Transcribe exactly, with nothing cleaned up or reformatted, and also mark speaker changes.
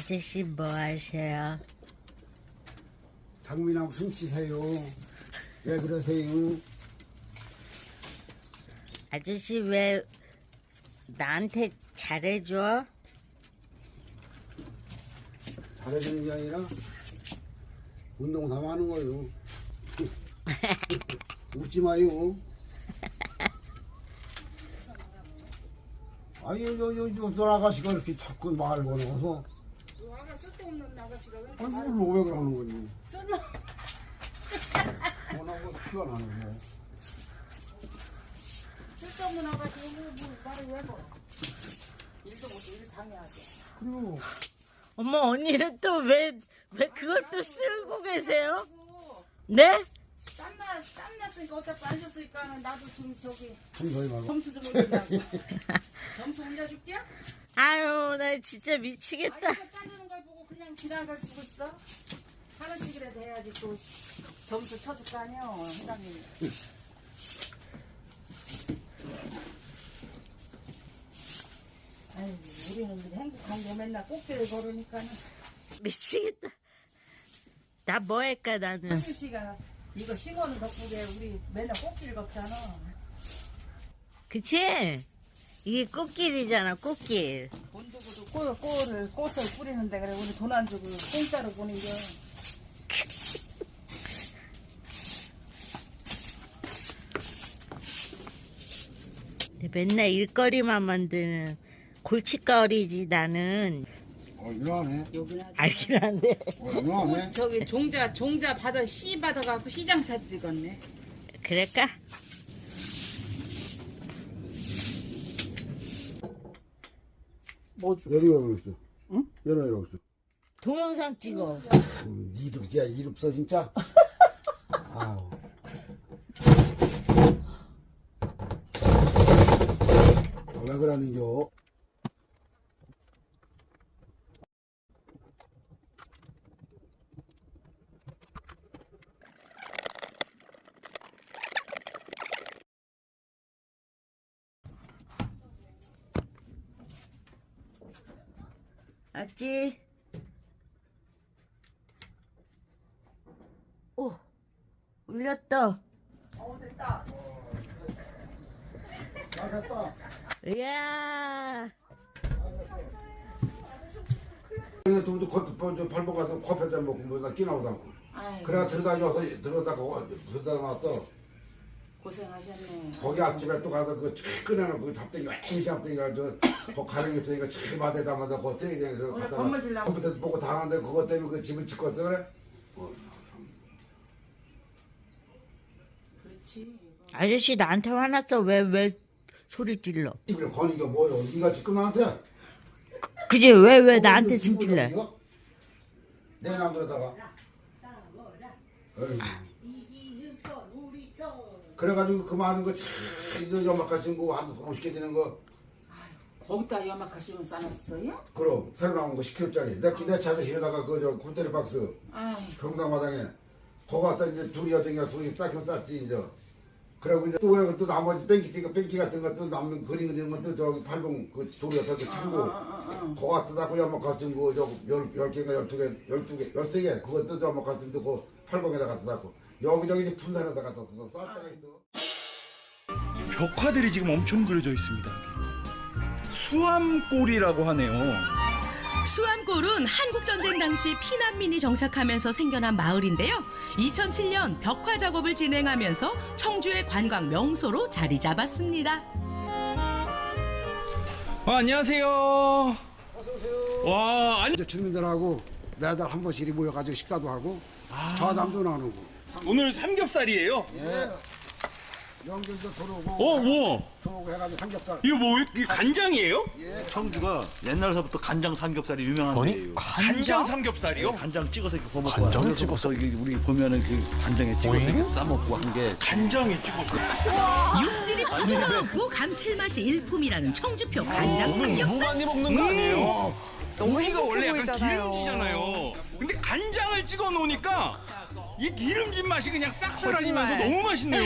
Speaker 1: 아저씨 뭐 하세요?
Speaker 2: 장미나 무슨 치세요? 왜 그러세요?
Speaker 1: 아저씨 왜 나한테 잘해줘?
Speaker 2: 잘해주는 게 아니라 운동 삼아 하는 거요. 웃지 마요. 아니 요요요 돌아가시가 이렇게 자꾸 말 걸어서.
Speaker 3: 너 아가 쓸데없는 아가씨가 왜 이렇게
Speaker 2: 아니
Speaker 3: 말을
Speaker 2: 뭘 왜 그러는 거니?
Speaker 3: 쓸모
Speaker 2: 뭐라고 티가 나네 뭐.
Speaker 3: 쓸데없는 아가씨가 뭐, 뭐 말을 왜 걸어? 일도 못해 일 당해야지.
Speaker 2: 그리고
Speaker 1: 어머 언니는 또 왜 왜 그걸 또 쓰고 계세요?
Speaker 3: 그리고
Speaker 1: 네?
Speaker 3: 땀나 땀났으니까 어차피 안 썼으니까 나도 지금 저기
Speaker 2: 한 소리 말고.
Speaker 3: 점수 좀 올리자고. 점수 올려줄게.
Speaker 1: 아유 나 진짜 미치겠다.
Speaker 3: 아니 이거 짜주는 걸 보고 그냥 지나갈 수가 있어? 하나씩이라도 해야지 또 점수 쳐줄 거 아니야 회장님이. 아유 우리는 행복한 게 맨날 꽃길을 걸으니까는
Speaker 1: 미치겠다. 나 뭐 할까 나는.
Speaker 3: 한유 씨가 이거 심어는 덕분에 우리 맨날 꽃길 걷잖아.
Speaker 1: 그치? 이게 꽃길이잖아 꽃길.
Speaker 3: 돈 주고도 꽃, 꽃을, 꽃을 뿌리는데 그래 우리 돈 안 주고 공짜로 보는 게.
Speaker 1: 맨날 일거리만 만드는 골칫거리지 나는.
Speaker 2: 어 일어나네.
Speaker 3: 여기는 아주
Speaker 1: 알긴 한데.
Speaker 2: 어 일어나네.
Speaker 3: 꽃 저기 종자 종자 받아 씨 받아갖고 시장 사 찍었네.
Speaker 1: 그럴까?
Speaker 3: 뭐 줘?
Speaker 2: 열이 왜 그랬어?
Speaker 3: 응?
Speaker 2: 열이 왜 그랬어?
Speaker 1: 동영상 찍어.
Speaker 2: 음, 이름 야 이름 써 진짜. 아우. 어, 왜 그러는겨?
Speaker 1: 맞지? 오, 울렸다.
Speaker 3: 어 됐다.
Speaker 2: 잘 됐다.
Speaker 1: 이야.
Speaker 2: 그냥 좀 더 발목 가서 커피 한잔 먹고 뭐다 끼나오다고.
Speaker 3: 아이고
Speaker 2: 그래가 들어다 녀서 들어다가 들어다 놨어.
Speaker 3: 고생하셨네.
Speaker 2: 거기 앞집에 또 가서 그 꺼내놓고 그 잡대기 이 잡대기가 저거 가는 게 있으니까 저 마대다마다 그 쓰레기장에서
Speaker 3: 원래
Speaker 2: 갖다가
Speaker 3: 건물 질라고.
Speaker 2: 컴퓨터 보고 다 하는데 그것 때문에 그 집을 짓고 왔어 그래? 어,
Speaker 3: 그렇지.
Speaker 1: 아저씨 나한테 화났어. 왜 왜 소리 질러?
Speaker 2: 집을 거는 게 뭐요? 네가 지금 나한테?
Speaker 1: 그지? 왜 왜
Speaker 2: 거기
Speaker 1: 나한테
Speaker 2: 그 집을
Speaker 1: 징질래?
Speaker 2: 이거? 내일 안 들어다가 그래가지고 그 많은 거 참, 이거 연막하신 거 한 오십 개 되는 거
Speaker 3: 거기다 연막하시면 싸놨어요?
Speaker 2: 그럼 새로 나온 거 십 킬로짜리 내, 내 차에서 실어다가 그저 콘테리 박스
Speaker 3: 아이
Speaker 2: 경당마당에 거기 갖다 이제 둘이 여정이가 둘이 싹 쌌지 이제 그리고 이제 또 왜 또 나머지 뺑기 띠가 뺑기 같은 것도 남는 그림 그리는 것도 저기 팔봉 그 돌이 갖다 그 창고 그거 갖다 닫고 연막 같은 거저열 개인가 열두 개 열두 개 열세 개 그것도 연막 같은 거그 팔봉에다 갖다 닫고 여기저기 이제 분산에다 갖다 써 쌀 때가 있어.
Speaker 4: 벽화들이 지금 엄청 그려져 있습니다. 수암골이라고 하네요.
Speaker 5: 수암골은 한국전쟁 당시 피난민이 정착하면서 생겨난 마을인데요. 이천칠 년 벽화 작업을 진행하면서 청주의 관광 명소로 자리 잡았습니다.
Speaker 4: 아, 안녕하세요. 와, 아니,
Speaker 2: 이제 주민들하고 매달 한 번씩 이리 모여가지고 식사도 하고 좌담도 나누고
Speaker 4: 오늘 삼겹살이에요.
Speaker 2: 예. 연결도 들어오고
Speaker 4: 어, 뭐?
Speaker 2: 들어오고 해가지고 삼겹살
Speaker 4: 이거 뭐, 이게 간장이에요?
Speaker 6: 청주가 옛날서부터 간장 삼겹살이 유명한 데예요.
Speaker 4: 간장 삼겹살이요?
Speaker 6: 간장 찍어서 이렇게 구워먹고 간장 찍어서 이게 우리 보면은 그 간장에 찍어서 이렇게 싸먹고 한 게
Speaker 4: 간장에 찍어서.
Speaker 5: 육질이 부드럽고 감칠맛이 일품이라는 청주표 간장 삼겹살.
Speaker 4: 많이 먹는 거 아니에요? 고기가 원래 약간 기름지잖아요. 근데 간장을 찍어 놓으니까 이 기름진 맛이 그냥 싹 사라지면서 너무 맛있네요.